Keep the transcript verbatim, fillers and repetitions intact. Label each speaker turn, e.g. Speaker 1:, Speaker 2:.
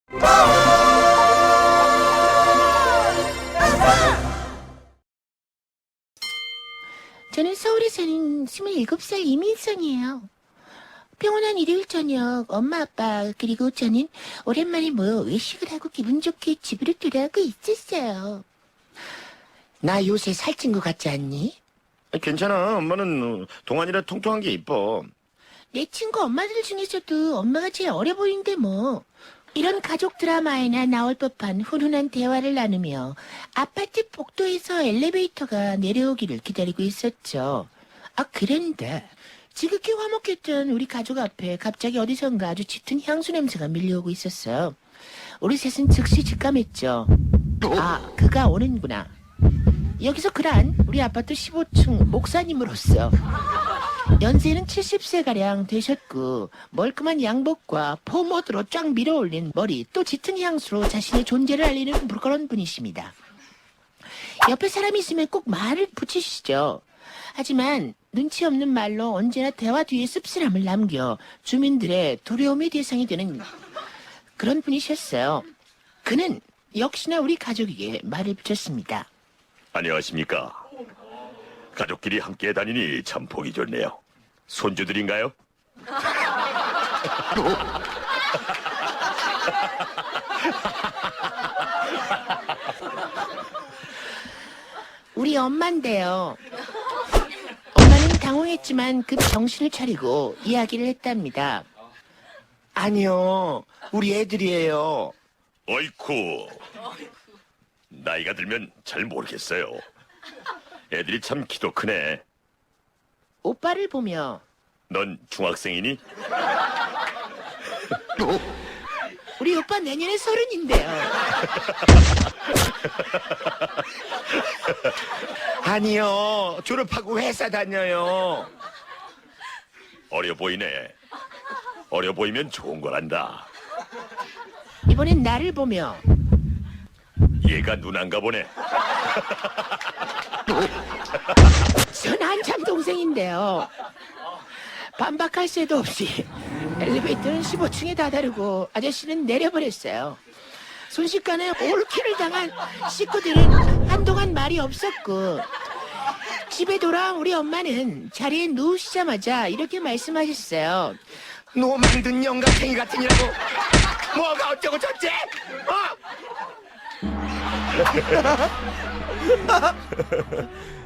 Speaker 1: 저는 서울에 사는 스물일곱 살 이민성이에요. 평온한 일요일 저녁 엄마 아빠 그리고 저는 오랜만에 모여 외식을 하고 기분 좋게 집으로 돌아오고 있었어요. 나 요새 살찐 것 같지 않니?
Speaker 2: 괜찮아. 엄마는 동안이라 통통한 게 이뻐.
Speaker 1: 내 친구 엄마들 중에서도 엄마가 제일 어려 보이는데 뭐. 이런 가족 드라마에나 나올 법한 훈훈한 대화를 나누며 아파트 복도에서 엘리베이터가 내려오기를 기다리고 있었죠. 아, 그런데 지극히 화목했던 우리 가족 앞에 갑자기 어디선가 아주 짙은 향수 냄새가 밀려오고 있었어요. 우리 셋은 즉시 직감했죠. 아, 그가 오는구나. 여기서 그란 우리 아파트 십오 층 목사님으로서 연세는 칠십 세가량 되셨고 멀끔한 양복과 포모드로 쫙 밀어올린 머리 또 짙은 향수로 자신의 존재를 알리는 그런 분이십니다. 옆에 사람이 있으면 꼭 말을 붙이시죠. 하지만 눈치 없는 말로 언제나 대화 뒤에 씁쓸함을 남겨 주민들의 두려움의 대상이 되는 그런 분이셨어요. 그는 역시나 우리 가족에게 말을 붙였습니다.
Speaker 2: 안녕하십니까. 가족끼리 함께 다니니 참 보기 좋네요. 손주들인가요?
Speaker 1: 우리 엄마인데요. 엄마는 당황했지만 급 정신을 차리고 이야기를 했답니다.
Speaker 3: 아니요, 우리 애들이에요.
Speaker 2: 어이쿠. 나이가 들면 잘 모르겠어요. 애들이 참 키도 크네.
Speaker 1: 오빠를 보며
Speaker 2: 넌 중학생이니?
Speaker 1: 우리 오빠 내년에 서른인데요.
Speaker 3: 아니요, 졸업하고 회사 다녀요.
Speaker 2: 어려 보이네. 어려 보이면 좋은 거란다.
Speaker 1: 이번엔 나를 보며
Speaker 2: 얘가 누난가 보네.
Speaker 1: 전 한참 동생인데요. 반박할 새도 없이 엘리베이터는 십오 층에 다다르고 아저씨는 내려버렸어요. 순식간에 올킬을 당한 식구들은 한동안 말이 없었고 집에 돌아온 우리 엄마는 자리에 누우시자마자 이렇게 말씀하셨어요.
Speaker 3: 노 만든 영감탱이 같으니라고. 뭐가 어쩌고 저째? 어?